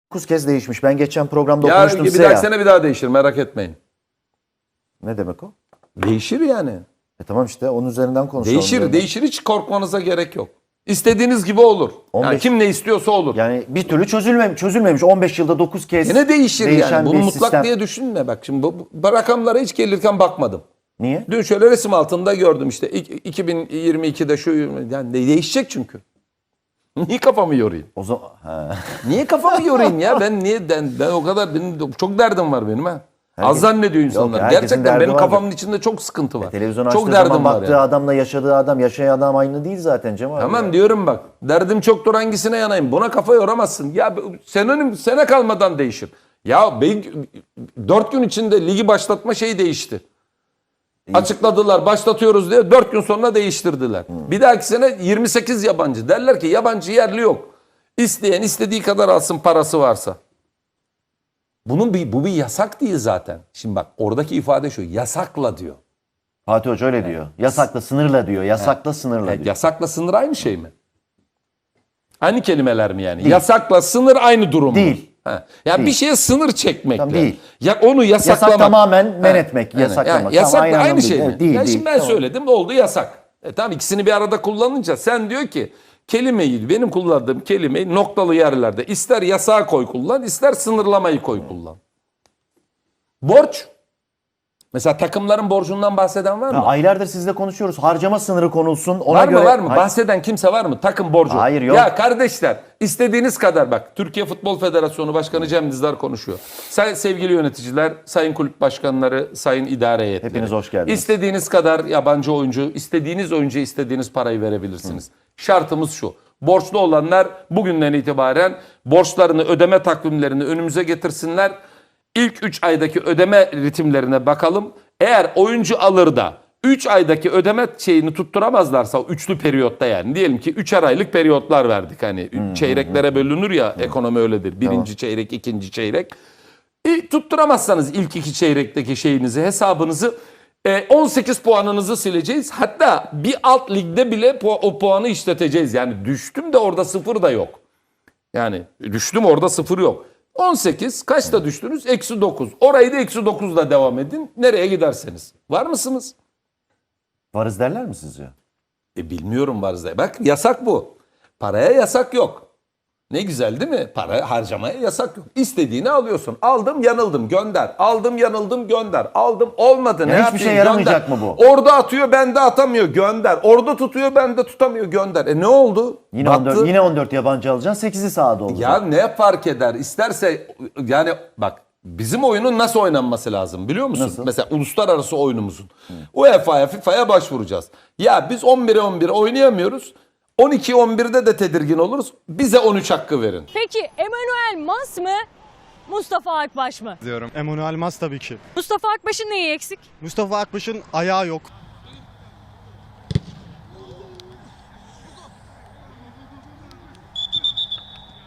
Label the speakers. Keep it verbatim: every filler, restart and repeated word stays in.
Speaker 1: dokuz kez değişmiş. Ben geçen programda
Speaker 2: Ya
Speaker 1: okumuştum
Speaker 2: bir
Speaker 1: size
Speaker 2: dahaki
Speaker 1: ya.
Speaker 2: sene bir daha değişir, merak etmeyin.
Speaker 1: Ne demek o?
Speaker 2: Değişir yani.
Speaker 1: E tamam işte onun üzerinden konuşalım.
Speaker 2: Değişir,
Speaker 1: diyorum.
Speaker 2: değişir, hiç korkmanıza gerek yok. İstediğiniz gibi olur. Yani
Speaker 1: on beş
Speaker 2: kim ne istiyorsa olur.
Speaker 1: Yani bir türlü çözülmemiş. çözülmemiş. on beş yılda dokuz kez
Speaker 2: Yine değişir
Speaker 1: değişen
Speaker 2: yani. Bunu
Speaker 1: bir
Speaker 2: mutlak
Speaker 1: sistem.
Speaker 2: diye düşünme bak. Şimdi bu, bu rakamlara hiç gelirken bakmadım.
Speaker 1: Niye?
Speaker 2: Dün şöyle resim altında gördüm işte iki bin yirmi ikide şu yani değişecek çünkü. Niye kafamı yorayım?
Speaker 1: O zaman ha.
Speaker 2: Niye kafamı yorayım ya? Ben niye ben, ben o kadar benim çok derdim var benim ha.
Speaker 1: Herkes-
Speaker 2: Az zannediyor insanlar.
Speaker 1: herkesin
Speaker 2: Gerçekten
Speaker 1: derdi
Speaker 2: benim
Speaker 1: vardır.
Speaker 2: kafamın içinde çok sıkıntı var.
Speaker 1: Televizyon
Speaker 2: çok
Speaker 1: açtığı
Speaker 2: derdim
Speaker 1: zaman
Speaker 2: var
Speaker 1: baktığı
Speaker 2: yani.
Speaker 1: adamla yaşadığı adam, yaşayan adam aynı değil zaten Cem abi.
Speaker 2: Tamam
Speaker 1: ya.
Speaker 2: diyorum bak. Derdim çoktur, hangisine yanayım? Buna kafa yoramazsın. Ya senenin sene kalmadan değişir. Ya dört gün içinde ligi başlatma şeyi değişti. Açıkladılar, başlatıyoruz diye dört gün sonra değiştirdiler. Hmm. Bir dahaki sene yirmi sekiz yabancı. Derler ki yabancı yerli yok. İsteyen istediği kadar alsın parası varsa. Bunun bir, bu bir yasak değil zaten. Şimdi bak oradaki ifade şu, yasakla diyor.
Speaker 1: Fatih Hoca öyle diyor. Yasakla, sınırla diyor. Yasakla, sınırla
Speaker 2: Evet,
Speaker 1: diyor.
Speaker 2: yasakla sınır aynı şey mi? Aynı kelimeler mi yani?
Speaker 1: Değil.
Speaker 2: Yasakla sınır aynı durum mu?
Speaker 1: Değil.
Speaker 2: Ha. Ya
Speaker 1: Değil.
Speaker 2: bir şeye sınır çekmekle.
Speaker 1: Tamam, değil.
Speaker 2: Ya onu yasaklamak.
Speaker 1: Yasak tamamen men etmek,
Speaker 2: Yani,
Speaker 1: yasaklamak.
Speaker 2: yani yasakla
Speaker 1: Tamam,
Speaker 2: aynı,
Speaker 1: anlamda
Speaker 2: şey
Speaker 1: değil.
Speaker 2: mi?
Speaker 1: Evet, değil,
Speaker 2: ya
Speaker 1: değil.
Speaker 2: şimdi ben
Speaker 1: Tamam.
Speaker 2: söyledim oldu yasak. E tamam ikisini bir arada kullanınca sen diyor ki kelimeyi benim kullandığım kelimeyi noktalı yerlerde ister yasağa koy kullan ister sınırlamayı koy kullan. Borç. Mesela takımların borcundan bahseden var mı?
Speaker 1: Ya aylardır sizle konuşuyoruz. Harcama sınırı konulsun. Ona
Speaker 2: Var
Speaker 1: göre...
Speaker 2: mı var mı?
Speaker 1: Hayır.
Speaker 2: Bahseden kimse var mı? Takım borcu.
Speaker 1: Hayır, yok.
Speaker 2: Ya kardeşler istediğiniz kadar bak. Türkiye Futbol Federasyonu Başkanı Cem Dizdar konuşuyor. Say, sevgili yöneticiler, sayın kulüp başkanları, sayın idare heyetleri.
Speaker 1: Hepiniz hoş geldiniz.
Speaker 2: İstediğiniz kadar yabancı oyuncu, istediğiniz oyuncuya istediğiniz parayı verebilirsiniz. Hı. Şartımız şu. Borçlu olanlar bugünden itibaren borçlarını, ödeme takvimlerini önümüze getirsinler. İlk üç aydaki ödeme ritimlerine bakalım. Eğer oyuncu alır da üç aydaki ödeme şeyini tutturamazlarsa üçlü periyotta yani diyelim ki üçer aylık periyotlar verdik hani hmm, çeyreklere bölünür ya hmm. ekonomi öyledir. Birinci tamam. çeyrek, ikinci çeyrek. E, tutturamazsanız ilk iki çeyrekteki şeyinizi, hesabınızı e, on sekiz puanınızı sileceğiz. Hatta bir alt ligde bile pu- o puanı işleteceğiz. Yani düştüm de orada sıfır da yok. Yani düştüm orada sıfır yok. on sekiz kaçta düştünüz? Eksi dokuz. Orayı da eksi dokuzla devam edin. Nereye giderseniz. Var mısınız?
Speaker 1: Varız derler mi sizce?
Speaker 2: E bilmiyorum varız da. Bak yasak bu. Paraya yasak yok. Ne güzel değil mi? Para harcamaya yasak yok. İstediğini alıyorsun. Aldım yanıldım gönder. Aldım yanıldım gönder. Aldım olmadı
Speaker 1: Ya
Speaker 2: ne
Speaker 1: hiçbir
Speaker 2: yapayım
Speaker 1: şey yaramayacak
Speaker 2: gönder.
Speaker 1: mı bu?
Speaker 2: Orada atıyor bende atamıyor gönder. Orada tutuyor bende tutamıyor gönder. E ne oldu?
Speaker 1: Yine
Speaker 2: Battı.
Speaker 1: on dört, yine on dört yabancı alacaksın. sekizi sahada olacak.
Speaker 2: Ya ne fark eder? İsterse yani bak bizim oyunun nasıl oynanması lazım biliyor musun?
Speaker 1: Nasıl?
Speaker 2: Mesela uluslararası oyunumuzun. U E F A'ya, FIFA'ya başvuracağız. Ya biz on bire on bir oynayamıyoruz. on iki on birde de tedirgin oluruz. Bize on üç hakkı verin.
Speaker 3: Peki Emmanuel Mas mı? Mustafa Akbaş mı?
Speaker 4: Diyorum. Emmanuel Mas tabii ki.
Speaker 3: Mustafa Akbaş'ın neyi eksik?
Speaker 4: Mustafa Akbaş'ın ayağı yok.